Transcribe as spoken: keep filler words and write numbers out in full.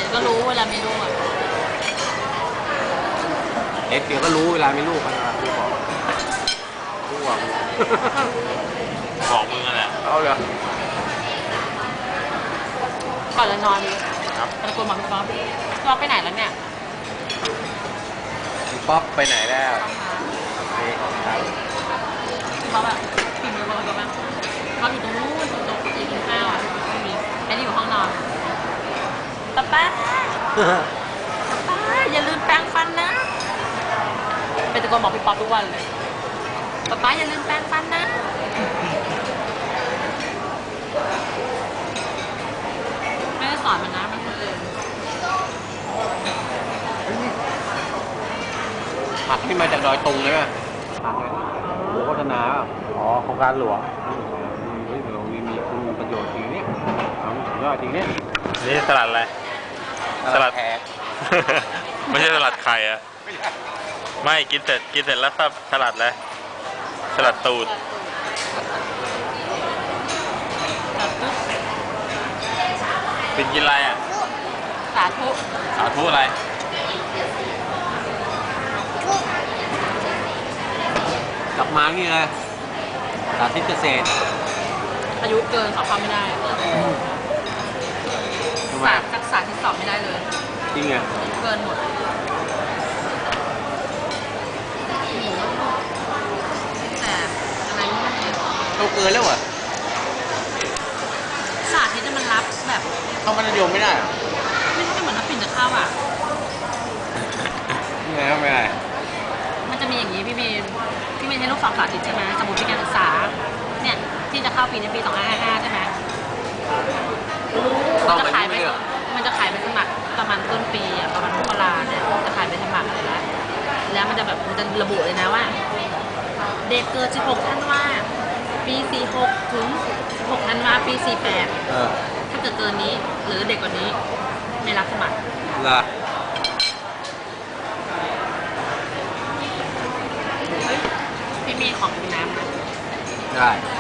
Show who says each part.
Speaker 1: ก็รู้เวลามีลูกอ่ะ
Speaker 2: เอ็กเดี๋ยวก็รู้เวลามีลูกนะครับพี่บอกรู้ว่า
Speaker 3: บอกมึงนั่นแหละ
Speaker 2: เอาเลย
Speaker 1: ก่อนจะนอน
Speaker 3: ครับ
Speaker 1: ตะโกนบอกพี่ป๊อปพี่ป๊อปไปไหนแล้วเนี่ย
Speaker 2: พี่ป๊อปไปไหนแล้วนี่ครับ
Speaker 1: พี่ป๊อปแบบพิมพ์เลยบอกพี่ป๊อปป๊อปอยู่ตรงนู้นตรงตรงที่กินข้าวอ่ะไม่มีไอ้นี่อยู่ห้องนอนป๊าป๊าป๊าอย่าลืมแปรงฟันนะเป็นตะโกนบอกพี่ป๊อปทุกวันเลยป๊าป๊าอย่าลืมแปรงฟันนะไม่ได้สอนมันนะมันคนอื่น
Speaker 2: ผักที่มาจากดอยตุงเลยป่ะผักเลยโหโฆษณาป่ะอ๋อโครงการหลวงเฮ้ยเรามีมีคุณประโยชน์จริงเนี่ยเอาสุดยอดจริงเนี่ย
Speaker 3: นี่สลัดอะไร สลัด
Speaker 2: แขก
Speaker 3: ไม่ใช่สลัดไข่อะไม่กินเสร็จกินเสร็จแล้วซับสลัดเลยสลัดตูดเป็นกินอะไรอ่ะ
Speaker 1: สาธุ
Speaker 3: สาธุอะไร
Speaker 2: กลับมานี่เลยสาธิตเกษตร
Speaker 1: อายุเกินสอบความไม่ได้
Speaker 2: ทำไม
Speaker 1: ศาสตร์ทักษะที่สอบไม่ได้เลย
Speaker 2: จริงเหรอ
Speaker 1: เกินหมดแต่อะไรไม่ได้
Speaker 2: เราเกินแล้วเหรอ
Speaker 1: ศาสตร์ที่จะมันรับแบบ
Speaker 2: เข้ามัธยมไม่ได้เหรอ
Speaker 1: ไม่ใช่เหมือนนักปิ่นจะเข้าอ่ะ
Speaker 2: ยังไงก็ไม่ได้
Speaker 1: มันจะมีอย่างนี้พี่เมย์พี่เมย์ใช้ลูกสอบสาธิตใช่ไหมสมมติเป็นการศึกษาเนี่ยที่จะเข้าปีในปีสองพันห้าร้อยห้าสิบห้าใช่ไหม
Speaker 2: ต้อง
Speaker 1: จะ
Speaker 2: แบบ
Speaker 1: ขาย
Speaker 2: นี้
Speaker 1: ไป
Speaker 2: ไม่เหรอ
Speaker 1: มันจะขายไปสมัครประมาณต้นปีอ่ะประมาณมกราเนี่ยจะขายไปสมัครเลยแล้วแล้วมันจะแบบมันจะระบุเลยนะว่า เด็กเกิดสิบหกธันวาปีสี่หกถึงสิบหกธันวาปีสี่แปด
Speaker 2: เออ
Speaker 1: ถ้าเกิดเกินนี้หรือเด็กกว่านี้ไม่รับสมัคร
Speaker 2: ล่ะ
Speaker 1: เฮ้ยพี่มีของกินน้ำนะ
Speaker 2: ได้